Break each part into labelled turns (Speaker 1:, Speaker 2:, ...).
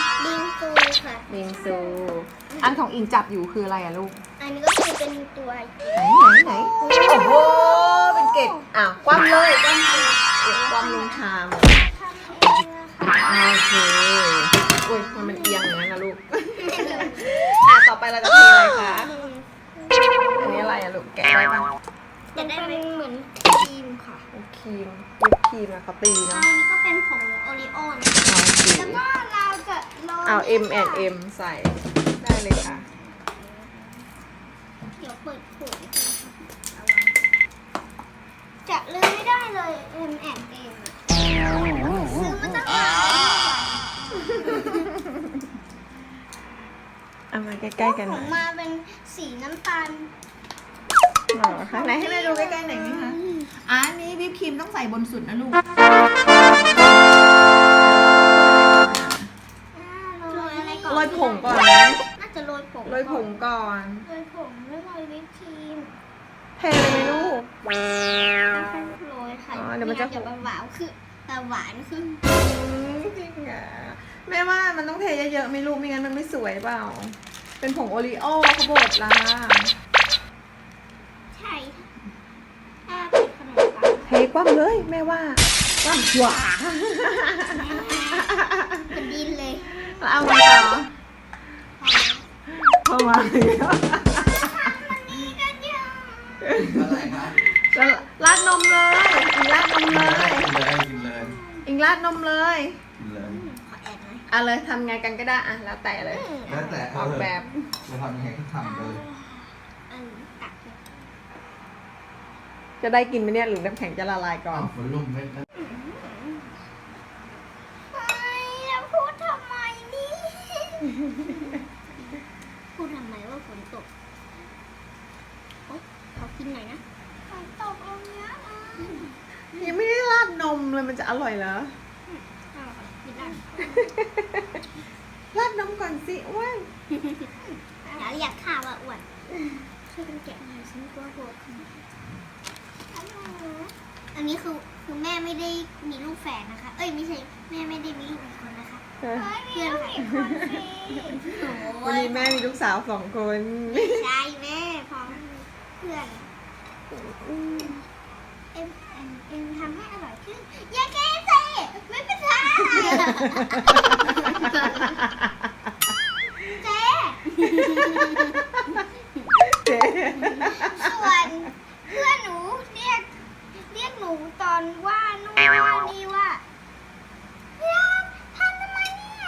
Speaker 1: บิงซูค่ะ
Speaker 2: บิงซู อันของอิงจับอยู่คืออะไรอะลูก
Speaker 1: อันนี้ก็คือเป็นตัว
Speaker 2: ไหนโอ้โหเป็นเกล็ดคว่ำเลยคว่ำลงชาม
Speaker 1: ทำเองนะคะ
Speaker 2: โอเคอุ้ยมันเอียงอย่างนั้นนะลูก ต่อไปเราจะเทอะไรคะ อันนี้อะไรอะลูกแกะได้ปะ
Speaker 1: จะได้เป็นเหมือนครีมค่ะ
Speaker 2: ครีมวิปครีมอะเขาตี
Speaker 1: อั
Speaker 2: เนาะ
Speaker 1: นนี้ก็เป็นผงโอรีโอนะ แล้วก็เราจะโรย
Speaker 2: เอา M&M ใส่ได้เลยค่ะ
Speaker 1: เดี๋ยวเปิดขวดจะลืมไม่ได้เลย M&M ซื้อมาตั้งนาน
Speaker 2: เอามาใกล้ๆกันห
Speaker 1: ข
Speaker 2: น่
Speaker 1: อ
Speaker 2: อง ย
Speaker 1: มาเป็นสีน้ำตาล
Speaker 2: หรอคะไหนให้แม่ดูใกล้ๆหน่อยไหมคะอันนี้วิปครีมต้องใส่บนสุดนะลูก
Speaker 1: โรยอะไรก่อน
Speaker 2: โรยผงก่อนไหม
Speaker 1: น่าจะโรยผง
Speaker 2: โรยผงก่อน
Speaker 1: โรยผงแล้วโรยวิปครีม
Speaker 2: เทเลยไหมลูก
Speaker 1: โรยค่ะ
Speaker 2: อ๋อเดี๋ยวมันจะ
Speaker 1: หวานคือแต่หวานคือ
Speaker 2: จริงอ่ะแม่ว่ามันต้องเทเยอะๆไม่ลูกไม่งั้นมันไม่สวยเปล่า เป็นผงโอรีโอเขาบดละ
Speaker 1: ใช่ถ้าเป็นขนมปัง
Speaker 2: เทคว่ำเลยแม่ว่าคว่ำขวา
Speaker 1: เป็นดินเลย
Speaker 2: แล้วเอาไงต่อเข้ามาเลย
Speaker 1: มันนี่กันยัง
Speaker 3: อะไรคะ
Speaker 2: แล้วราดนมเลยอิงราดนมเลย
Speaker 3: กินเลย
Speaker 2: อิงราดนมเลย
Speaker 3: กินเลย
Speaker 1: ขอแอบหน่อย
Speaker 2: เอาเลยทำไงกันก็ได้อะแล้วแต่เลย
Speaker 3: แล้วแต่
Speaker 2: ออกแบบ
Speaker 3: จะทำยังไงก็ทำเลย
Speaker 1: ตักเลย
Speaker 2: จะได้กินไหมเนี่ยหรือน้ำแข็งจะละลายก่อน
Speaker 3: เอาฝนลุ่มเม็ดนะ
Speaker 1: เฮ้ยแล้วพูดทำไมนี่ พูดทำไมว่าฝนตกโอ๊ยขอกินหน่อยนะฝนตกตรงเนี้ยนะ
Speaker 2: ยังไม่ได้ราดนมเลยมันจะอร่อยเหรอ
Speaker 1: เอาค่ะกินได้
Speaker 2: ราดนมก่อนสิอ้วน
Speaker 1: อย่าเรียกข้าวว่าอ้วนช่วยกันแกะหน่อยฉันกลัวหัวขึ้นอันนี้คือแม่ไม่ได้มีลูกแฝดนะคะ เอ้ยไม่ใช่แม่ไม่ได้มีลูกอีกคนนะคะเพื่อนค่ะโอ้
Speaker 2: วัน
Speaker 1: ย
Speaker 2: นี้แม่มีลูกสาว2 คน
Speaker 1: ใช่แม่พร้อมเพื่อนเอ็มทำให้อร่อยขึ้นอย่าแก้สิไม่เป็นไรเจ๊
Speaker 2: เจ๊
Speaker 1: ส่วนเพื่อนหนูเรียกหนูตอนว่านู่นว่านี่ว่าเรียกทำทำไมเนี่ย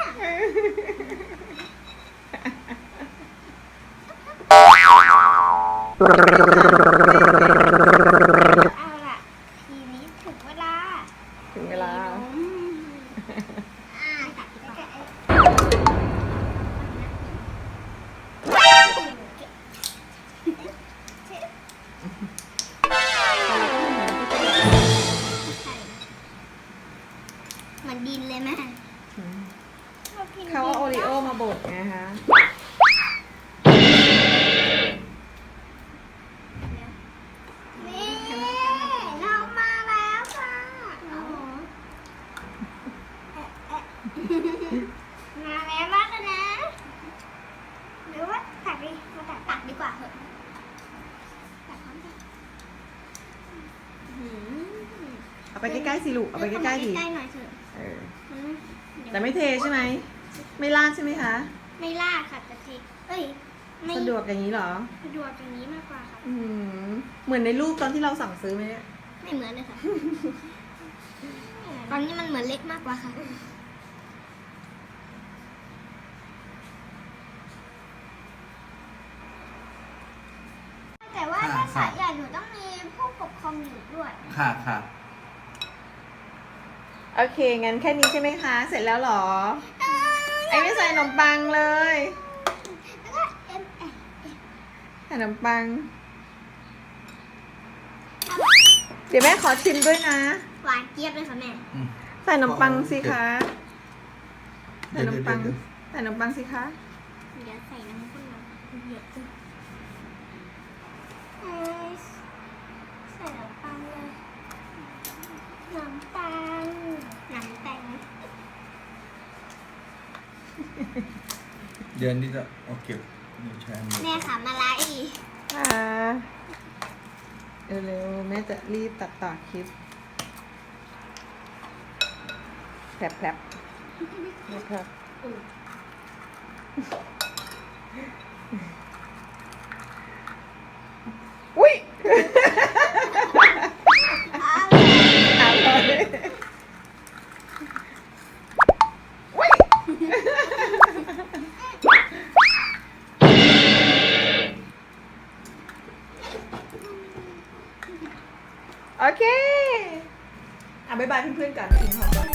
Speaker 1: เอาล่ะทีนี้ถึงเวลา
Speaker 2: ถึงเวลา
Speaker 1: ตัดดีกว่ามันดินเลยแม่
Speaker 2: เขาเอาโอริโอมาบดไงคะ
Speaker 1: นี่เรามาแล้วค่ะมาแล้วมากเลยนะหรือว่าตักดิมาตักดีกว่าเหอะตักพร้อมกัน
Speaker 2: เอาไปใกล้ๆสิลูกเอาไปใกล้ๆดิ
Speaker 1: ใกล้ๆหน่อยเถอะ
Speaker 2: เออ
Speaker 1: มันไม่เดี๋ยว
Speaker 2: แต่ไม่เทใช่ไหมไม่ราดใช่ไหมคะ
Speaker 1: ไม่ลาดค่ะแต่เทเอ้ยไม่
Speaker 2: สะดวกอย่างนี้เหรอ
Speaker 1: สะดวกอย่างนี้มากกว่าค่ะ
Speaker 2: เหมือนในรูปตอนที่เราสั่งซื้อไหมเนี่ย
Speaker 1: ไม่เหมือนเลยค่ะ ตอนนี้มันเหมือนเล็กมากกว่าค่ะ แต่ว่าถ้าสายใหญ่หนูต้องมีผู้ปกครองอยู่ด้วย
Speaker 3: ค่ะค่ะ
Speaker 2: โอเคงั้นแค่นี้ใช่ไหมคะ เสร็จแล้วเหรอ ไอ้ไม่ใส่ขนมปังเลย
Speaker 1: แล้วก็เอ็ม
Speaker 2: ขนมปัง เดี๋ยวแม่ขอชิมด้วยนะ
Speaker 1: หวานเจี๊ยบเลยค่ะแม่
Speaker 2: ใส่ขนมปังสิคะ ใส่
Speaker 3: เดี๋
Speaker 2: ข
Speaker 3: ยวน
Speaker 2: มปัง
Speaker 3: เดี๋ยว
Speaker 2: ใส่ขนมปังสิคะ
Speaker 1: เดี๋ยวใส่น้ำข้นมาเยอะขึ้นใส่น้ำปังเลยน้ำตาลน้ำแตง
Speaker 3: เดือนที่จะเอาเก็บในแชมป์
Speaker 1: แม่ขำอะไร
Speaker 2: เร็วๆแม่จะรีบตัดต่อคลิปแผลบนะครับอุ้ยอุ้ยโอเคบ๊ายบายเพื่อนๆกันกินของก่อน